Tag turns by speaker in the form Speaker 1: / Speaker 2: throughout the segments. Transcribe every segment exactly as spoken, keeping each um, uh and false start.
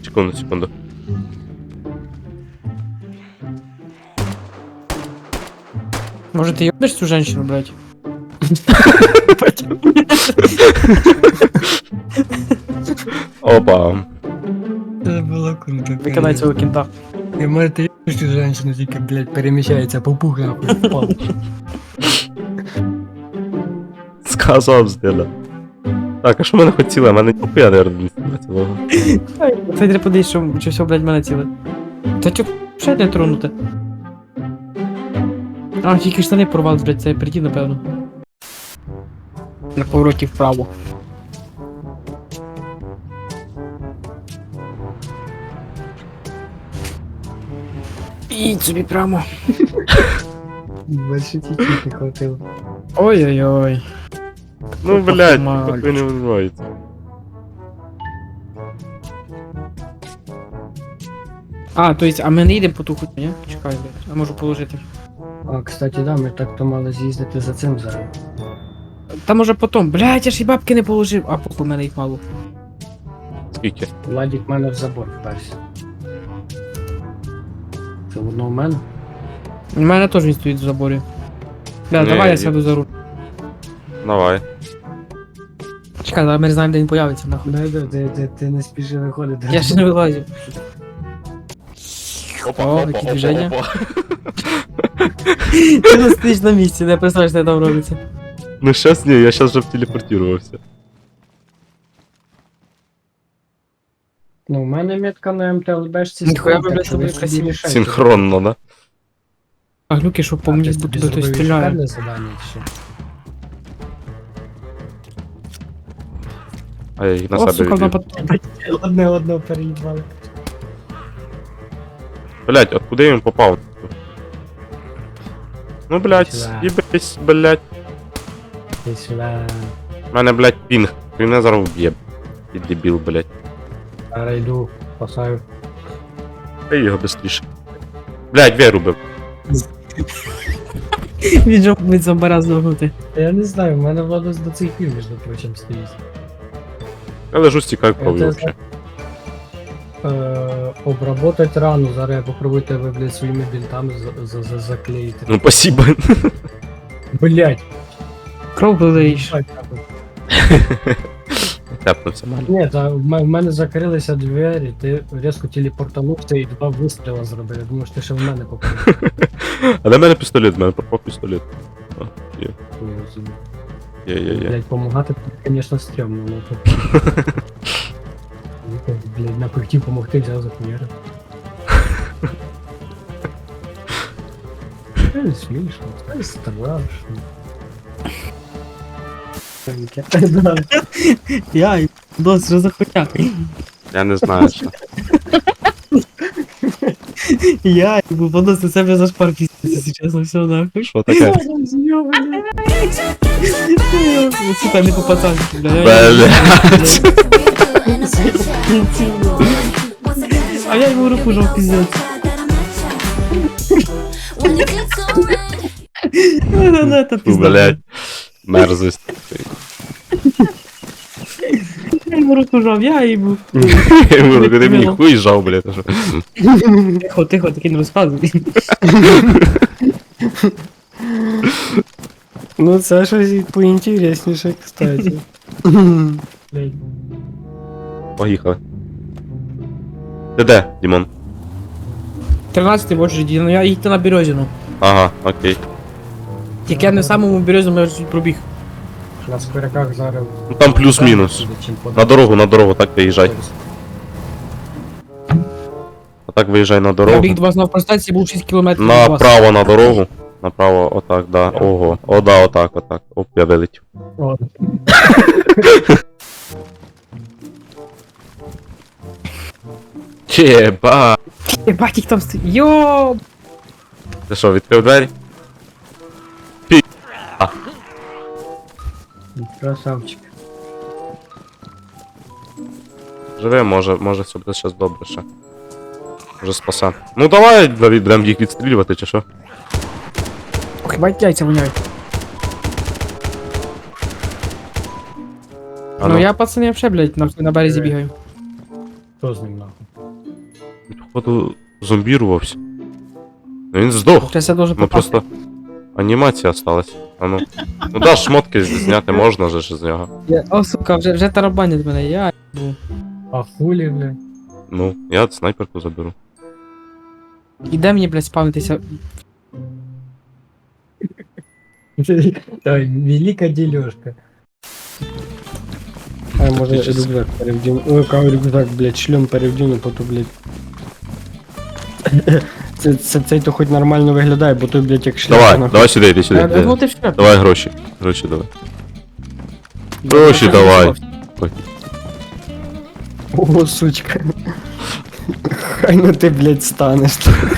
Speaker 1: Секунду, секунду.
Speaker 2: Может, ты ебнешь цю женщину, блядь?
Speaker 1: Опа.
Speaker 3: Це було круто.
Speaker 2: Виконай цього кінта.
Speaker 3: І може ти єбиш цю женщину, тільки, блядь, переміщається по пух, нахуй, впав.
Speaker 1: Сказав зделя. Так, а що мене хотіли? А мене ніхуя, наверное, не цілого.
Speaker 2: Це треба подивись, що, чи все, блядь, мене ціле. Та чо, ще не тронути? А, тільки штани порвав, блядь, це прийти, напевно. На повороті вправо. І собі прямо.
Speaker 3: Більше тільки не хватило.
Speaker 2: Ой-ой-ой.
Speaker 1: Ну,
Speaker 2: Опа,
Speaker 1: блядь,
Speaker 2: мальчик.
Speaker 1: ніхуя не вибивається.
Speaker 2: А, то есть, а ми не йдемо по ту хуйню, ні? Чекай, блядь, я можу положити.
Speaker 3: А, кстати, да, ми так-то мали з'їздити за цим зараз.
Speaker 2: Та може потом, блядь, я ж і бабки не положив, а похуй, у мене їх мало.
Speaker 1: Скільки?
Speaker 3: Владик мене в забор вперся. Це воно у мене?
Speaker 2: У мене теж він стоїть в заборі. Бля,
Speaker 1: Ні,
Speaker 2: давай я
Speaker 1: я-
Speaker 2: сяду за руль.
Speaker 1: Давай.
Speaker 2: Чекай, давай ми не знаємо, де він появиться, нахуй.
Speaker 3: Да, да, ти, ти, ти не спіши виходити.
Speaker 2: Я ще не вилазив.
Speaker 1: Опа,
Speaker 2: О,
Speaker 1: опа,
Speaker 2: які
Speaker 1: опа,
Speaker 2: движення.
Speaker 1: опа.
Speaker 2: Ти не стоїш на місці, не представляєш, що там робиться.
Speaker 1: Ну щас ні, я щас вже телепортувався.
Speaker 3: Ну, у мене метка на МТЛБшці
Speaker 2: Ніхуя
Speaker 3: стоїть,
Speaker 2: ви,
Speaker 3: так
Speaker 2: блядь,
Speaker 3: що ви
Speaker 2: собі
Speaker 3: собі
Speaker 2: красиві.
Speaker 3: рішайте.
Speaker 1: Синхронно, да?
Speaker 2: А глюки, що по
Speaker 3: А,
Speaker 2: мені
Speaker 3: ти
Speaker 2: з
Speaker 3: собі
Speaker 2: будто хтось
Speaker 3: зробив
Speaker 2: стріляє.
Speaker 3: шикарне завдання, чи що?
Speaker 1: А я їх на
Speaker 2: О,
Speaker 1: себе
Speaker 2: сука, на
Speaker 1: відвів.
Speaker 2: пот...
Speaker 3: Одне одного переїбали.
Speaker 1: Блять, откуда він попав? Ну, блять,
Speaker 3: Сюда.
Speaker 1: їбись, блять.
Speaker 3: Ти сюди.
Speaker 1: У мене, блять, пінг. Він мене зараз вб'є. І дебіл, блять.
Speaker 3: Зараз йду, спасаю.
Speaker 1: Та його быстріше. Блять, двері рубив.
Speaker 2: Він же від зомбара здохнути.
Speaker 3: Я не знаю, в мене Владос до цих пір, між прочим, стоїть.
Speaker 1: Я лежу стікаю кров'ю
Speaker 3: Це-
Speaker 1: вообще.
Speaker 3: Е, обработать рану, зараз я попробую тебе, блядь, своїми бінтами за- за- за- заклеїти.
Speaker 1: Ну, спасибо.
Speaker 3: Блять!
Speaker 2: Кров вилиєш.
Speaker 1: Тяпнувся мало.
Speaker 3: Ні, та в ме- в мене закрилися двері, ти різко телепортанувся і два вистріла зробив. Я думаю, що ти ще в мене попав.
Speaker 1: А де в мене пістолет? В мене пропав пістолет. О, є. Є, є, є.
Speaker 3: Блять, помагати, звісно, стрьомно, ну тут. Блять, напихтів помогти, взяв за хуєра. Це не смішно, це страшно. Да.
Speaker 2: Я, дос, що за хуйня?
Speaker 1: Я не знаю, що.
Speaker 2: Я, воно за себе зашпар піздиться, чесно, все нахуй.
Speaker 1: Що таке?
Speaker 2: Сука, не по пацанськи, бля.
Speaker 1: Блять.
Speaker 2: А я йому руку жав піздець. Ну, это пизда.
Speaker 1: Блять. Мерзость.
Speaker 2: Я йому руку жав, я йому.
Speaker 1: Я йому говорю, ти мені хуй жав, блять. а що?
Speaker 2: Тихо, тихо, таки не розказуй.
Speaker 3: Ну це щось поінтересніше, кстати. Блядь.
Speaker 1: Поїхали. Ти де, Дімон?
Speaker 2: тринадцятий в очереді, ну я їдьте на Березіну.
Speaker 1: Ага, окей.
Speaker 2: Тільки я не в самому Березіну, я вже пробіг.
Speaker 3: На скоряках зараз.
Speaker 1: Ну там плюс-мінус. На дорогу, на дорогу, так виїжджай. А так виїжджай на
Speaker 2: Я
Speaker 1: дорогу.
Speaker 2: біг до вас на автостанції, був шість кілометрів від вас.
Speaker 1: Направо на дорогу. Направо, отак, да. Ого. О, да, отак, отак. Оп, я вилетів.
Speaker 3: О,
Speaker 1: Єба.
Speaker 2: Єбать, їх там стоїть. Йоп!
Speaker 1: Ти що, відкрив двері?
Speaker 3: красавчик.
Speaker 1: Живе, може, може все буде щас добре ще. Може спаса. Ну давай, Давід, будемо їх відстрілювати, чи що?
Speaker 2: Ох, єбать, яйця воняють.
Speaker 1: А
Speaker 2: Ну
Speaker 1: ну.
Speaker 2: я, пацани, вообще, блядь, нахуй на березі бігаю.
Speaker 3: Хто з ним нахуй?
Speaker 1: Походу, зомбірувався. Ну він здох.
Speaker 2: Сейчас я должен
Speaker 1: Ну
Speaker 2: попасть.
Speaker 1: просто анімація осталась. А ну. Ну да, шмотки зняти можна же ж з нього.
Speaker 2: Я- О, сука, вже, вже тарабанять мене, я їбу.
Speaker 3: А хулі, бля.
Speaker 1: Ну, я снайперку заберу.
Speaker 2: Іде мені, блядь, спавнитися.
Speaker 3: Ой, велика дележка. А може
Speaker 1: Фактически.
Speaker 3: рюкзак перевдіну. Ой, кого рюкзак, блядь, шлем перевдіну, потім, блядь. Це, це, цей то хоч нормально виглядає, бо той, блядь, як шляпа.
Speaker 1: Давай,
Speaker 3: нахуй.
Speaker 1: давай сюди, іди сюди.
Speaker 2: Я
Speaker 1: іди.
Speaker 2: думав, ти все.
Speaker 1: Давай гроші. Гроші давай. Гроші давай.
Speaker 3: О, сучка. Хай ну ти, блядь, станеш.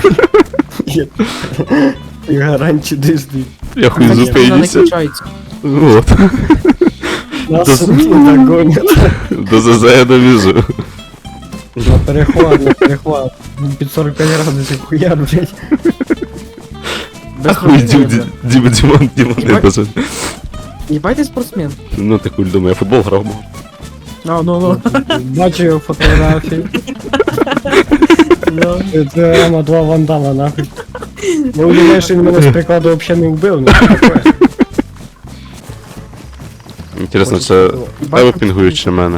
Speaker 3: І гарантії дижди.
Speaker 1: Я хуй
Speaker 3: Ні,
Speaker 2: Вона не
Speaker 1: зупинюся.
Speaker 2: включається.
Speaker 1: Вот.
Speaker 3: Нас не догонять.
Speaker 1: До ЗЗ я довезу.
Speaker 3: На перехват, на перехват. Під сорок п'ять градусів хуяр, блядь.
Speaker 2: Без
Speaker 1: Хуй,
Speaker 2: проблем,
Speaker 1: Дім,
Speaker 2: блядь.
Speaker 1: Дім, Дімон, Дімон, не
Speaker 2: Єбать.
Speaker 1: даже.
Speaker 2: Їбать ти спортсмен.
Speaker 1: Ну ти хуй думаю, я футбол грав. був.
Speaker 2: А, ну, ну.
Speaker 3: Бачу його фотографії. Це- Це Рама два вандала, нахуй. Ну, думаєш, він мене з прикладу взагалі не вбив, ну що таке?
Speaker 1: Інтересно, це тебе пінгують чи мене?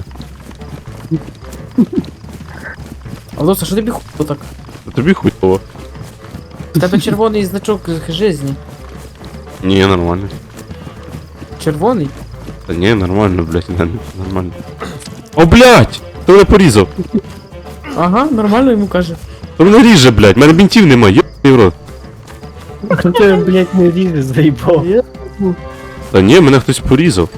Speaker 2: Алоса, що тобі хуй так?
Speaker 1: А тобі хуй того.
Speaker 2: У тебе червоний значок жизни.
Speaker 1: Ні, нормально.
Speaker 2: Червоний?
Speaker 1: Та ні, нормально, блядь, не, нормально. О, блядь! Хто мене порізав?
Speaker 2: Ага, нормально йому каже.
Speaker 1: Хто мене ріже, блядь, мене бінтів немає, йобаний в рот.
Speaker 3: Хто тебе, блядь, не ріже, заїбав?
Speaker 1: Та ні, мене хтось порізав.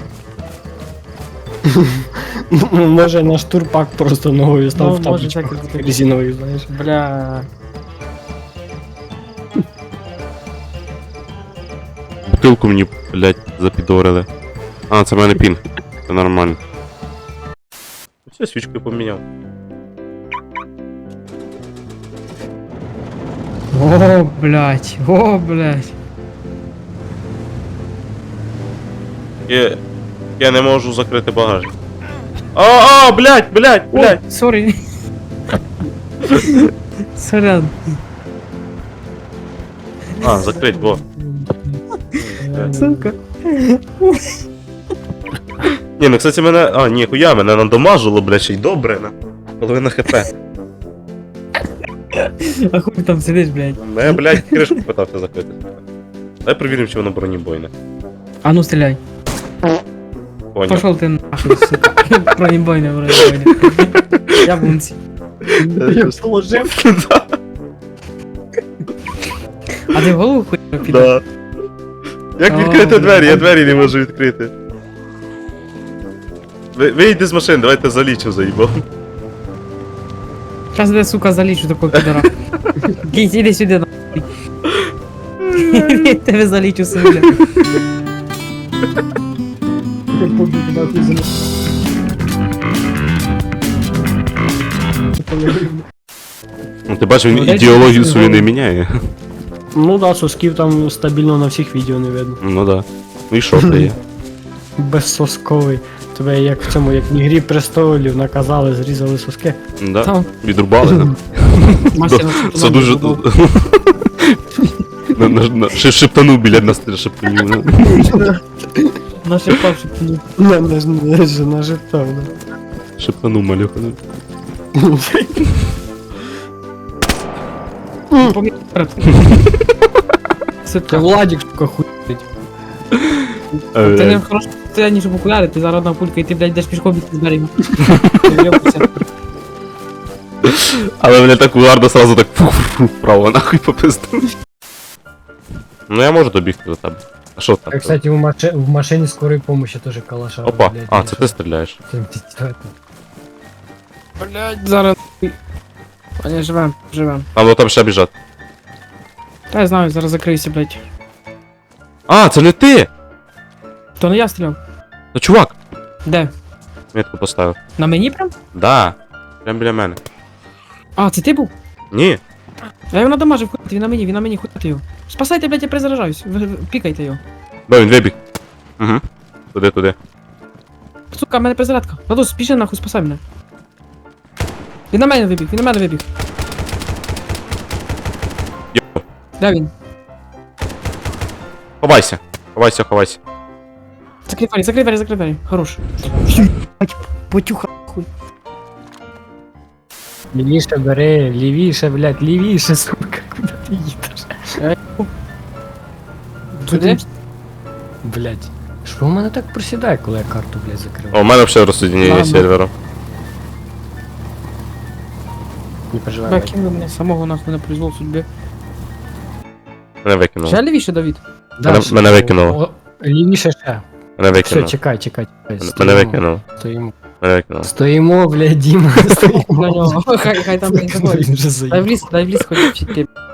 Speaker 3: Ну, може наш турпак просто ногою став
Speaker 2: Ну,
Speaker 3: в
Speaker 2: може
Speaker 3: тапочку
Speaker 2: так і бути.
Speaker 3: резиновою, знаєш.
Speaker 2: Бля.
Speaker 1: Бутилку мені, блядь, запідорили. А, це в мене пінг. Це нормально. Все, свічку поміняв.
Speaker 2: О, блядь, о, блядь.
Speaker 1: Я, я не можу закрити багажник. А, а, блядь, блядь, блядь.
Speaker 2: О, сорі. Сорян.
Speaker 1: А, закрить, во.
Speaker 2: Сука.
Speaker 1: Ні, ну, кстати, мене... А, ні, хуя, мене надамажило, блядь, ще й добре, на. Половина хп.
Speaker 2: А хуй там сидиш, блядь.
Speaker 1: Ну, я, блядь, кришку питався закрити. Дай перевіримо, чи воно бронебойне.
Speaker 2: А ну стреляй.
Speaker 1: Понял.
Speaker 2: Пошел ты нахуй, сука. Бронебойня, бронебойня. Я бунці.
Speaker 3: Я положив.
Speaker 2: А ти в голову хуй піде?
Speaker 1: Да. Як
Speaker 2: О,
Speaker 1: відкрити двері? Я
Speaker 2: блядь.
Speaker 1: двері не можу відкрити. Ви- Вийди з машини, давайте залічу заїбав.
Speaker 2: Зараз я, сука, залічу такого підора. Кінь, іди сюди, нахуй. Я тебе залічу собі.
Speaker 1: Ну ти бачиш, він
Speaker 3: Ну, дайте
Speaker 1: ідеологію
Speaker 3: мені
Speaker 1: свою не
Speaker 3: голову.
Speaker 1: міняє.
Speaker 3: Ну да, сосків там стабільно на всіх відео не видно.
Speaker 1: Ну да. Ну і що ти є?
Speaker 3: Безсосковий. Тебе як в цьому, як в ігрі престолів наказали, зрізали соски.
Speaker 1: Да.
Speaker 2: Там
Speaker 1: Відрубали нам.
Speaker 2: мастер
Speaker 1: Це дуже... На- на- на- ще Шептанув біля нас шептанів.
Speaker 2: Наші павші пні.
Speaker 3: Не, не, не, не, нажитав, да.
Speaker 1: Шептанув малюха.
Speaker 2: Поміряти.
Speaker 3: Це
Speaker 2: Сука.
Speaker 3: Владик, сука, хуй.
Speaker 2: Ти не в хорошому состоянні, щоб окуляри, ти зараз одна пулька і ти, блядь, йдеш пішком від зберегу.
Speaker 1: Але мене так гарно сразу так фу-фу-фу, вправо нахуй попиздив. Ну я можу добігти до тебе. А що там?
Speaker 3: Я, кстати, в, маши... в машине скорой помощи тоже калаша.
Speaker 1: Опа,
Speaker 3: блядь,
Speaker 1: а, це ти стріляєш.
Speaker 2: Блядь, зараз. А не, живем, живем.
Speaker 1: А, ну там ще біжать.
Speaker 2: Та я знаю, зараз закрийся, блядь.
Speaker 1: А, це не ти!
Speaker 2: То не я стріляв.
Speaker 1: Ну чувак!
Speaker 2: Де?
Speaker 1: Метку поставив.
Speaker 2: На мені прям?
Speaker 1: Да. Прям біля мене.
Speaker 2: А, це ти був?
Speaker 1: Ні.
Speaker 2: Я його надамажив, хуйте, він на мені, він на мені, хуйте його. Спасайте, блядь, я перезаражаюсь. Ви, ви пікайте його.
Speaker 1: Да, він вибіг. Угу. Туди, туди.
Speaker 2: Сука, в мене перезарядка. Владос, спіши нахуй, спасай мене. Він на мене вибіг, він на мене вибіг. Де він?
Speaker 1: Ховайся. Ховайся, ховайся.
Speaker 2: Закрий двері, закрий двері, закрий двері. Хорош. Єбать, потюха хуй.
Speaker 3: Лівіше бери, лівіше, блядь, лівіше, сука, куди ти їдеш?
Speaker 2: Туди?
Speaker 3: Блядь. Що в мене так просідає, коли я карту, блядь, закрив?
Speaker 1: О, у мене взагалі розсоединення
Speaker 2: Ладно.
Speaker 1: серверу.
Speaker 3: Не переживай.
Speaker 2: Бля,
Speaker 3: блядь.
Speaker 2: кинули мене самого нахуй на произвол судьби.
Speaker 1: Мене викинуло.
Speaker 2: Ще лівіше, Давід?
Speaker 3: Дальше.
Speaker 1: мене викинуло.
Speaker 3: О, лівіше ще.
Speaker 1: Мене
Speaker 3: Все,
Speaker 1: викинуло.
Speaker 3: чекай, чекай, чекай.
Speaker 1: Мене
Speaker 3: Стоїмо.
Speaker 1: викинуло.
Speaker 3: Стоїмо.
Speaker 1: Мене викинуло.
Speaker 3: Стоїмо, блядь, Діма,
Speaker 2: На
Speaker 3: стоїмо.
Speaker 2: нього. Хай, хай там не заходить.
Speaker 3: Він вже
Speaker 2: Дай в
Speaker 3: заїбав.
Speaker 2: ліс, дай в ліс ходить вчити.